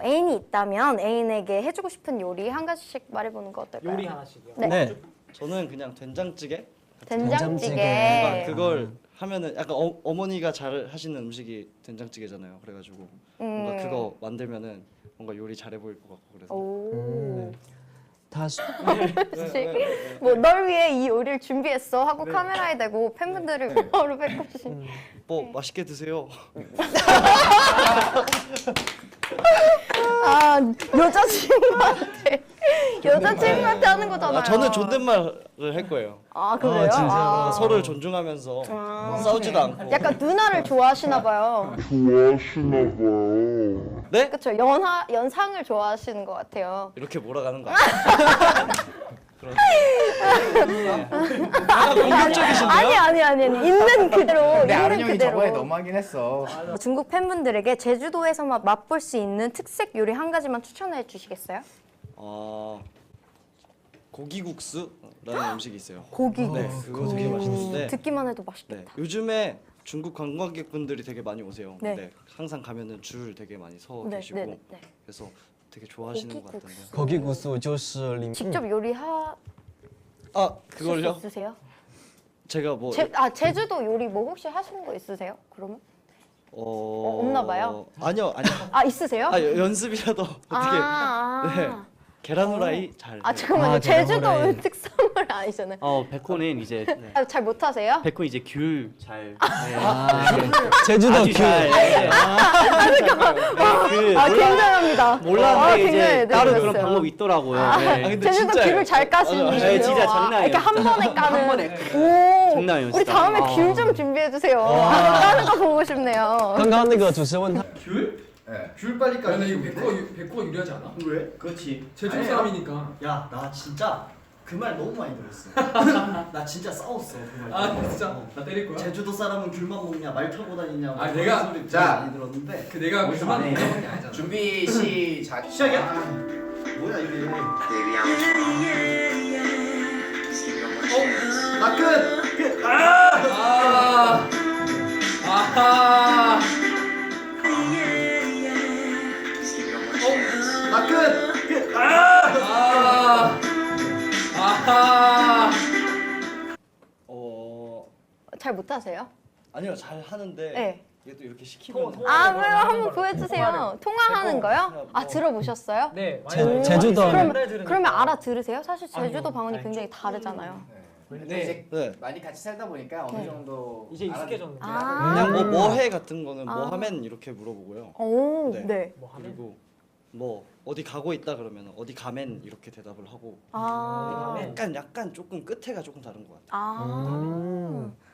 애인이 있다면 애인에게 해주고 싶은 요리 한 가지씩 말해보는 거 어떨까요? 요리 하나씩이요? 네. 저는 그냥 된장찌개. 된장찌개. 그걸 하면은 약간 어머니가 잘 하시는 음식이 된장찌개잖아요. 그래가지고 뭔가 그거 만들면은 뭔가 요리 잘해 보일 것 같고 그래서. 오. 다시 뭐 널 위해 이 요리를 준비했어 하고 카메라에 대고 팬분들을 바로 뵙고시. 뭐 맛있게 드세요. 아 여자친구한테 하는 거잖아요. 아, 저는 존댓말을 할 거예요. 아 그래요? 진짜로? 아. 서로를 존중하면서 싸우지도 않고. 약간 누나를 좋아하시나 봐요. 네? 그렇죠. 연상을 좋아하시는 것 같아요. 이렇게 몰아가는 거 아니에요? 공격적이신데요? 아니 있는 그대로 근데 아른 있는 형이 그대로. 저번에 너무하긴 했어. 중국 팬분들에게 제주도에서만 맛볼 수 있는 특색 요리 한 가지만 추천해 주시겠어요? 고기국수라는 음식이 있어요. 고기. 네, 그거 되게 맛있는데. 듣기만 해도 네, 맛있겠다. 요즘에 중국 관광객분들이 되게 많이 오세요. 네. 근데 항상 가면은 줄 되게 많이 서 네, 계시고 네, 네. 그래서 되게 좋아하시는 것 같던데요. 고기국수. 거기 구수 就是里 직접 요리하 아 수 그걸요? 있으세요? 제가 뭐 제주도 요리 뭐 혹시 하시는 거 있으세요? 그러면? 없나 봐요? 아니요. 아 있으세요? 연습이라도 어떻게 네. 계란 후라이 잘. 아 해요. 잠깐만요. 아, 제주도 계란후라이. 특선물 아니잖아요. 백호는 이제 아, 잘 못하세요? 백호 이제 귤 잘. 제주도 아주 귤. 잘. 그 아 굉장합니다. 몰랐는데 이제 굉장히 따로 네, 그런 들었어요. 방법이 있더라고요. 근데 제주도 진짜예요. 귤을 잘 까시는 맞아요. 분이에요. 진짜 장난이에요. 이렇게 한 번에 까는. 한 번에. 오. 장난이에요, 우리 진짜. 다음에 귤 좀 준비해 주세요. 까는 거 보고 싶네요. 刚刚那个主持人问他 귤 빨리 야, 근데 이거 백호가 유리하지 않아? 왜? 그렇지. 제주 사람이니까. 야, 나 진짜 그 말 너무 많이 들었어. 나 진짜 싸웠어 그 말. 아 진짜? 나 때릴 거야? 제주도 사람은 귤만 먹냐, 말 타고 다니냐. 아, 내가- 소리 자. 많이 들었는데. 그 내가 어디서 그만 안 해? 먹는 게 아니잖아. 준비 시작. 시작이야? 뭐야 이게? 나 끝. 아. 아하. 나 끝. 아. 아하. 잘 못하세요? 아니요, 잘 하는데. 네. 이게 또 이렇게 시키면. 아 그래요? 한번 보여주세요. 통화하는 거요? 아 들어보셨어요? 네. 제주도 그러면 알아들으세요? 사실 제주도 방언이 굉장히 다르잖아요. 근데 이제 네. 많이 같이 살다 보니까 어느 정도 이제 익숙해졌는데. 아. 그냥 뭐 해 같은 거는 뭐 아. 하면 이렇게 물어보고요. 오, 네. 네. 뭐 하면? 그리고 뭐 어디 가고 있다 그러면 어디 가면 이렇게 대답을 하고. 아. 약간 조금 끝에가 조금 다른 것 같아요. 아.